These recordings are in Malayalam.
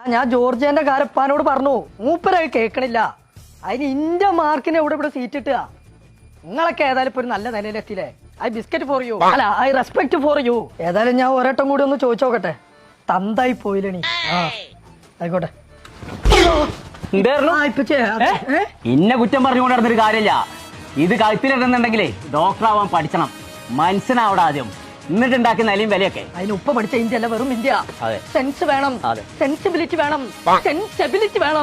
ഞാൻ ജോർജിയന്റെ കാരപ്പാനോട് പറഞ്ഞു, മൂപ്പരത് കേൾക്കണില്ല. അതിന് ഇന്റെ മാർക്കിന് ഇവിടെ സീറ്റ് കിട്ടുക. നിങ്ങളൊക്കെ ഏതായാലും ഇപ്പൊ ഒരു നല്ല നിലയിലെത്തിയില്ലേ? ഐ ബിസ്ക്കറ്റ് ഫോർ യു, അല്ല ഐ റെസ്പെക്ട് ഫോർ യു. ഏതായാലും ഞാൻ ഒരട്ടം കൂടി ഒന്ന് ചോദിച്ചോക്കട്ടെ. തന്തായി പോയില്ലണി. ആയിക്കോട്ടെ. ഇന്നെ കുറ്റം പറഞ്ഞുകൊണ്ട് നടന്നൊരു കാര്യമില്ല. ഇത് കഴുത്തിലിടുന്നുണ്ടെങ്കിലേ ഡോക്ടർ ആവാൻ പഠിക്കണം, മനസ്സിനാവണം ആദ്യം, എന്നിട്ട് ഉണ്ടാക്കുന്ന നിലയും വിലയൊക്കെ. അതിന് ഉപ്പ പഠിച്ച ഇന്ത്യ അല്ല, വെറും ഇന്ത്യ. സെൻസ് വേണം, സെൻസിബിലിറ്റി വേണം, സെൻസിബിലിറ്റി വേണം.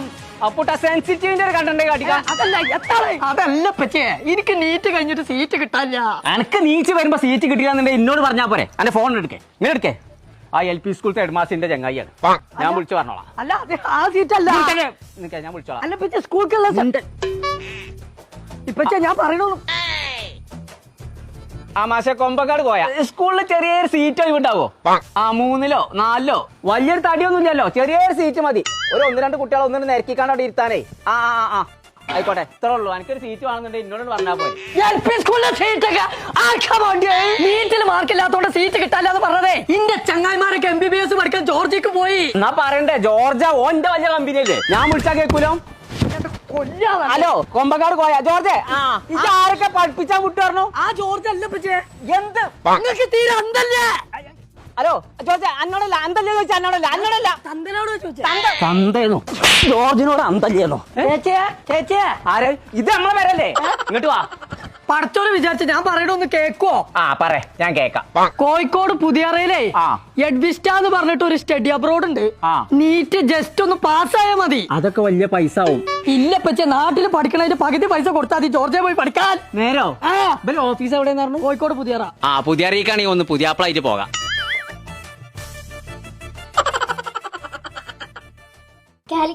അതല്ല പച്ചേ, എനിക്ക് നീറ്റ് കഴിഞ്ഞിട്ട് സീറ്റ് കിട്ടാനില്ല. എനിക്ക് നീച്ച് വരുമ്പോ സീറ്റ് കിട്ടിയില്ലെന്നുണ്ടെങ്കിൽ എന്നോട് പറഞ്ഞാ പോരെ. എന്റെ ഫോൺ എടുക്കേ, ഇങ്ങനെ എടുക്കേ. ആ LP സ്കൂളത്തെ ഹെഡ്മാസ്റ്ററിന്റെ ചങ്ങായിയാണ്, ഞാൻ വിളിച്ചു പറഞ്ഞോളാം. അല്ല ആ സീറ്റ് അല്ല, ഞാൻ വിളിച്ചോളാം. അല്ല പച്ചേ, സ്കൂൾക്കുള്ള ഇപ്പൊ ഞാൻ പറയണു. ആ മാഷെ കൊമ്പക്കാട് പോയാ സ്കൂളിൽ ചെറിയൊരു സീറ്റ് ഒഴിവുണ്ടാവോ? ആ 3ലോ 4ലോ വലിയൊരു തടിയൊന്നും ഇല്ലല്ലോ, ചെറിയൊരു സീറ്റ് മതി. ഒരു 1-2 കുട്ടികളെ ഒന്നിനും നിരക്കിക്കാണ്ട് അവിടെ ഇരുത്താനേ. ആ ആയിക്കോട്ടെ, ഇത്രേ ഉള്ളൂ. എനിക്കൊരു സീറ്റ് വേണമെന്നുണ്ടെങ്കിൽ എന്നോട് പറഞ്ഞാൽ പോയി. നീറ്റിൽ മാർക്കില്ലാത്തോണ്ട് സീറ്റ് കിട്ടാല്ലാന്ന് പറഞ്ഞതേ. ഇന്റെ ചങ്ങായിമാരൊക്കെ MBBS പഠിക്കാൻ ജോർജിക്ക് പോയി. എന്നാ പറയണ്ടേ, ജോർജ ഓന്റെ വലിയ കമ്പനിയല്ലേ, ഞാൻ വിളിച്ചാ കേൾക്കൂലോ. ഹലോ, കൊമ്പക്കാട് പോയാ ജോർജ്? ആരൊക്കെ പഠിപ്പിച്ചാ വിട്ടു പറഞ്ഞു? ആ ജോർജ് അല്ല പച്ചേ. എന്ത് നിങ്ങൾക്ക് തീരെ അന്തല്ലേ? ഹലോ ജോർജ്, അന്നോടല്ല അന്തല്ലേ ചോദിച്ചാ? അന്നോടല്ല തന്തനോട് ചോദിച്ചേ. തന്തേന്നോ ജോർജിനോട് അന്തല്ലേന്നോ? ചേച്ചേ ആര്? ഇത് നമ്മളെ പേരല്ലേ? ഇങ്ങോട്ട് വാ. പടച്ചോനെ വിചാരിച്ച ഞാൻ പറയണൊന്ന് കേക്കോ? പറ, ഞാൻ കേക്കാം. കോഴിക്കോട് പുതിയറയിലേ എഡ്വിസ്റ്റ എന്ന് പറഞ്ഞിട്ട് ഒരു സ്റ്റഡി അബ്രോഡ് ഉണ്ട്. നീറ്റ് ജസ്റ്റ് ഒന്ന് പാസ്സായാ മതി. അതൊക്കെ വലിയ പൈസ ആവും. ഇല്ല പച്ചേ, നാട്ടിൽ പഠിക്കണതിന്റെ പകുതി പൈസ കൊടുത്താൽ മതി ജോർജിയ പോയി പഠിക്കാൻ. നേരോ? ഓഫീസ് എവിടെയെന്ന് പറഞ്ഞു? കോഴിക്കോട് പുതിയറ. പുതിയറയിക്കാണെങ്കിൽ ഒന്ന് പുതിയാപ്പിളായിട്ട് പോകാം.